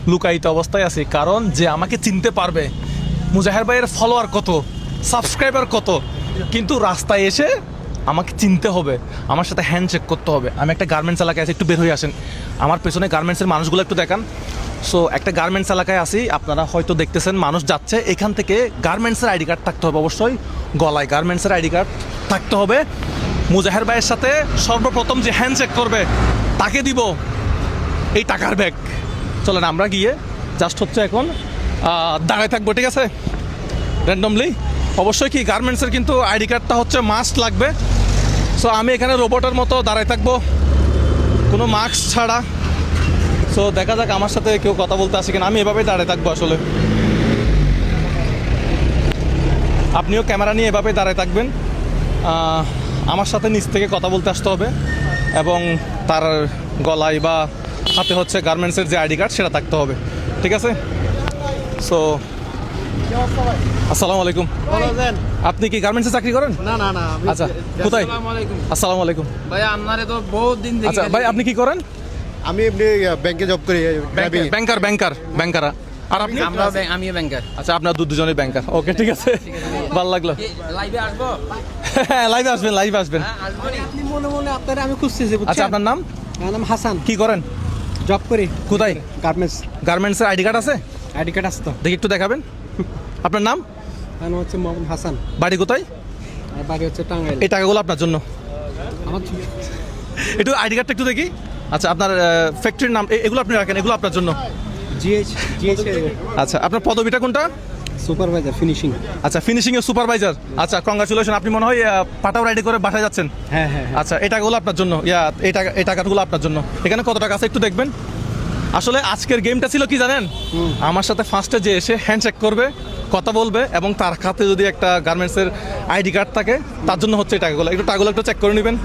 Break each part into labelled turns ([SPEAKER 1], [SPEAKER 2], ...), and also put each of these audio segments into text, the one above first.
[SPEAKER 1] লুকায়িত অবস্থায় আছি, কারণ যে আমাকে চিনতে পারবে, মুজাহের ভাইয়ের ফলোয়ার কত, সাবস্ক্রাইবার কত, কিন্তু রাস্তায় এসে আমাকে চিনতে হবে, আমার সাথে হ্যান্ডশেক করতে হবে। আমি একটা গার্মেন্টস এলাকায় আছি, একটু বের হয়ে আসেন, আমার পেছনে গার্মেন্টসের মানুষগুলো একটু দেখান। সো একটা গার্মেন্টস এলাকায় আছি, আপনারা হয়তো দেখতেছেন মানুষ যাচ্ছে, এখান থেকে গার্মেন্টসের আইডি কার্ড থাকতে হবে, অবশ্যই গলায় গার্মেন্টসের আইডি কার্ড থাকতে হবে। মুজাহের ভাইয়ের সাথে সর্বপ্রথম যে হ্যান্ডশেক করবে তাকে দিব এই টাকার ব্যাগ। চলেন আমরা গিয়ে জাস্ট হচ্ছে এখন দাঁড়ায় থাকবো, ঠিক আছে, র্যান্ডমলি। অবশ্যই কি গার্মেন্টসের কিন্তু আইডি কার্ডটা হচ্ছে মাস্ট লাগবে। সো আমি এখানে রোবটের মতো দাঁড়ায় থাকবো, কোনো মাস্ক ছাড়া। সো দেখা যাক আমার সাথে কেউ কথা বলতে আসে কিনা, আমি এভাবেই দাঁড়ায় থাকবো আসলে। আপনিও ক্যামেরা নিয়ে এভাবেই দাঁড়ায় থাকবেন, আমার সাথে নিচ থেকে কথা বলতে আসতে হবে, এবং তার গলায় বা হাতে হচ্ছে গার্মেন্টসের যে আইডি কার্ড সেটা থাকতে হবে, ঠিক আছে। সো আসসালামু আলাইকুম। আপনি কি গার্মেন্টসে চাকরি করেন?
[SPEAKER 2] না না না।
[SPEAKER 1] আচ্ছা, কোথায়? আসসালামু আলাইকুম
[SPEAKER 2] ভাই, আপনারে তো বহুত দিন দেখি।
[SPEAKER 1] আচ্ছা ভাই, আপনি কি করেন?
[SPEAKER 3] আমি এমনি ব্যাংকে জব করি।
[SPEAKER 1] ব্যাংকার। আর আপনি?
[SPEAKER 2] আমিও ব্যাংকার।
[SPEAKER 1] আচ্ছা, আপনার দুজনেই ব্যাংকার। ওকে, ঠিক আছে, ভালো লাগলো।
[SPEAKER 2] লাইভে আসবো?
[SPEAKER 1] হ্যাঁ, লাইভে আসবেন।
[SPEAKER 2] আপনি মনে মনে আপনারে আমি খুঁজতেছি।
[SPEAKER 1] আচ্ছা, আপনার নাম?
[SPEAKER 2] আমার নাম হাসান।
[SPEAKER 1] কি করেন?
[SPEAKER 2] জব করি।
[SPEAKER 1] কোথায়?
[SPEAKER 2] গার্মেন্টসের
[SPEAKER 1] আইডি কার্ড আছে?
[SPEAKER 2] আইডি কার্ড আছে তো।
[SPEAKER 1] দেখি একটু দেখাবেন। আপনার নাম?
[SPEAKER 2] আমার নাম হচ্ছে মোহাম্মদ হাসান।
[SPEAKER 1] বাড়ি কোথায়?
[SPEAKER 2] আর বাড়ি হচ্ছে টাঙ্গাইল।
[SPEAKER 1] এই টাকাগুলো আপনার জন্য।
[SPEAKER 2] আমার
[SPEAKER 1] একটু আইডি কার্ডটা একটু দেখি। আচ্ছা, আপনার ফ্যাক্টরির নাম, এগুলো আপনি রাখেন, এগুলো আপনার জন্য।
[SPEAKER 2] জিএইচ
[SPEAKER 1] আচ্ছা, আপনার পদবিটা কোনটা?
[SPEAKER 2] Supervisor finishing.
[SPEAKER 1] আচ্ছা, ফিনিশিং এর সুপারভাইজার। আচ্ছা, কংগ্রাচুলেশন। আপনি মনে হয় পাটাও রাইডি করে বাসায় যাচ্ছেন?
[SPEAKER 2] হ্যাঁ।
[SPEAKER 1] আচ্ছা, এই টাকাগুলো আপনার জন্য, এই টাকাগুলো আপনার জন্য। এখানে কত টাকা আছে একটু দেখবেন। আসলে আজকের গেমটা ছিল কি জানেন, আমার সাথে ফার্স্টে যে এসে হ্যান্ডশেক করবে, কথা বলবে, এবং তার হাতে যদি একটা গার্মেন্টসের আইডি কার্ড থাকে, তার জন্য হচ্ছে এই টাকাগুলো। টাকাগুলো একটু চেক করে নেবেন।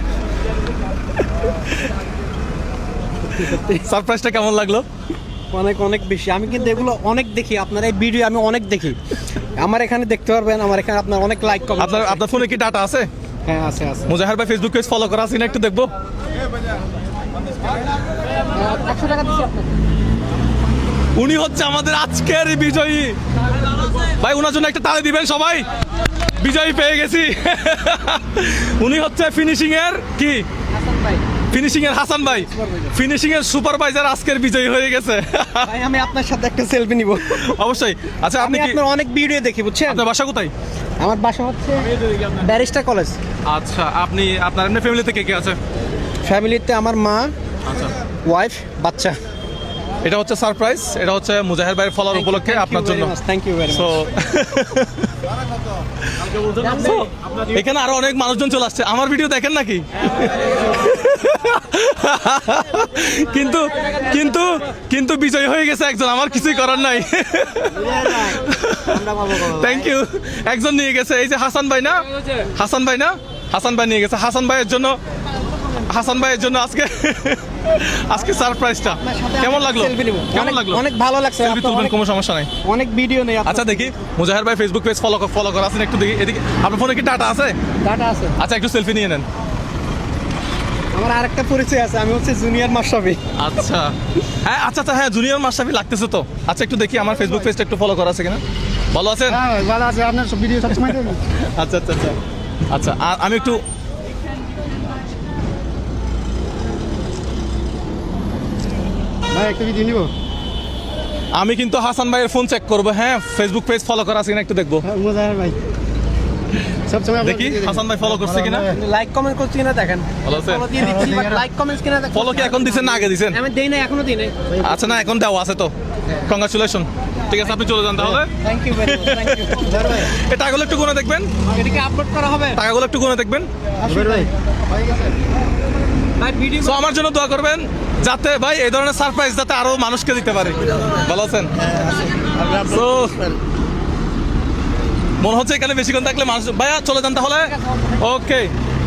[SPEAKER 1] সারপ্রাইজটা কেমন লাগলো?
[SPEAKER 2] অনেক বেশি। আমি কিন্তু এগুলো অনেক দেখি, আপনার এই ভিডিও আমি অনেক দেখি। আমার এখানে দেখতে পারবেন, আমার এখানে আপনার অনেক লাইক কমেন্ট।
[SPEAKER 1] আপনার ফোনে কি ডাটা আছে?
[SPEAKER 2] হ্যাঁ, আছে।
[SPEAKER 1] মুজাহের ভাই ফেসবুক পেজ ফলো করা আছে না, একটু দেখবো।
[SPEAKER 2] 100 টাকা দিচ্ছি আপনাকে।
[SPEAKER 1] উনি হচ্ছে আমাদের আজকের বিজয়ী ভাই, ওনার জন্য একটা তালি দিবেন সবাই। বিজয়ী পেয়ে গেছি। উনি হচ্ছে ফিনিশিং এর কি, ফিনিশিং এর হাসান ভাই, ফিনিশিং এর সুপারভাইজার আজকের বিজয়ী হয়ে গেছে।
[SPEAKER 2] ভাই, আমি আপনার সাথে একটা সেলফি নিব।
[SPEAKER 1] অবশ্যই। আচ্ছা, আপনি কি
[SPEAKER 2] আপনার অনেক ভিডিও দেখি, বুঝছেন?
[SPEAKER 1] আপনার বাসা কোথায়?
[SPEAKER 2] আমার বাসা হচ্ছে ব্যারিস্টার কলেজ।
[SPEAKER 1] আচ্ছা, আপনার এমনি ফ্যামিলিতে কে কে আছে?
[SPEAKER 2] ফ্যামিলিতে আমার মা,
[SPEAKER 1] আচ্ছা,
[SPEAKER 2] ওয়াইফ, বাচ্চা।
[SPEAKER 1] এটা হচ্ছে সারপ্রাইজ, এটা হচ্ছে মুজাহের ভাইয়ের ফলোয়ার উপলক্ষে আপনার জন্য।
[SPEAKER 2] Thank you very
[SPEAKER 1] so
[SPEAKER 2] much.
[SPEAKER 1] এখানে আরো অনেক মানুষজন চলে আসছে। আমার ভিডিও দেখেন নাকি? কিন্তু কিন্তু কিন্তু বিজয় হয়ে গেছে একজন, আমার কিছুই করার নাই। Thank you. একজন নিয়ে গেছে, এই যে হাসান ভাই নিয়ে গেছে। হাসান ভাইয়ের জন্য আজকে সারপ্রাইজটা কেমন লাগলো?
[SPEAKER 2] অনেক ভালো লাগছে।
[SPEAKER 1] সেলফি তুলবেন, কোনো সমস্যা নাই।
[SPEAKER 2] অনেক ভিডিও নেই।
[SPEAKER 1] আচ্ছা, দেখি মুজাহের ভাই ফেসবুক পেজ ফলো করা আছেন, একটু দেখি। এদিকে আপনার ফোনে কি ডাটা আছে?
[SPEAKER 2] ডাটা আছে।
[SPEAKER 1] আচ্ছা, একটু সেলফি নিয়ে নেন।
[SPEAKER 2] আমার আরেকটা পরিচয় আছে, আমি হচ্ছে জুনিয়র মাশরাফি।
[SPEAKER 1] আচ্ছা, হ্যাঁ, জুনিয়র মাশরাফি লাগতেছে তো। আচ্ছা, একটু দেখি আমার ফেসবুক পেজটা একটু ফলো করা আছে কিনা। ভালো আছেন?
[SPEAKER 2] হ্যাঁ, ভালো আছে। আপনার সব ভিডিও সবসময় দেখি।
[SPEAKER 1] আচ্ছা, আমি একটু
[SPEAKER 2] ভাই, একটা ভিডিও নিব।
[SPEAKER 1] আমি কিন্তু হাসান ভাইয়ের ফোন চেক করবো। হ্যাঁ, ফেসবুক পেজ ফলো করা আছে কিনা একটু দেখবো।
[SPEAKER 2] মুজাহির ভাই সবসময়
[SPEAKER 1] দেখি হাসান ভাই ফলো করছে কিনা,
[SPEAKER 2] লাইক কমেন্ট করছে কিনা দেখেন।
[SPEAKER 1] ভালো আছে?
[SPEAKER 2] ফলো দিয়ে দিচ্ছি, বাট লাইক কমেন্টস কিনা দেখেন।
[SPEAKER 1] ফলো কি এখন দিছেন না আগে দিছেন?
[SPEAKER 2] আমি দেই না, এখনো দেই নাই।
[SPEAKER 1] আচ্ছা, না, এখন দেওয়া আছে তো। কংগ্রাচুলেশন। ঠিক আছে, আপনি চলে যান তাহলে।
[SPEAKER 2] Thank you very much. Thank you ভাই।
[SPEAKER 1] এই টাকাগুলো একটু গুনে দেখবেন।
[SPEAKER 2] এটা কি আপলোড করা হবে?
[SPEAKER 1] টাকাগুলো একটু গুনে দেখবেন।
[SPEAKER 2] ভাই ভিডিও
[SPEAKER 1] তো আমার জন্য দোয়া করবেন, যাতে ভাই এই ধরনের সারপ্রাইজ যাতে আরো মানুষকে দিতে পারে। ভালো আছেন? তো মনে হচ্ছে এখানে বেশিক্ষণ থাকলে মানুষ, ভাইয়া চলে যান তাহলে। ওকে,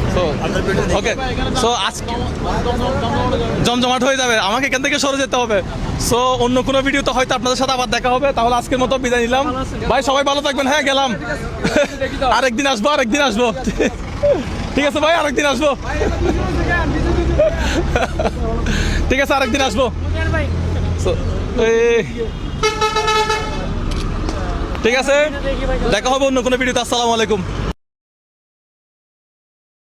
[SPEAKER 1] সো আজকে জমজমাট হয়ে যাবে, আমাকে এখান থেকে সরে যেতে হবে। সো অন্য কোনো ভিডিওতে হয়তো আপনাদের সাথে আবার দেখা হবে। তাহলে আজকের মতো বিদায় নিলাম ভাই, সবাই ভালো থাকবেন। হ্যাঁ, গেলাম। আরেকদিন আসবো। ঠিক আছে ভাই, আরেকদিন আসবো। ঠিক আছে, আরেকদিন আসবো। ঠিক আছে, দেখা হবে অন্য কোনো ভিডিওতে। আসসালামু আলাইকুম।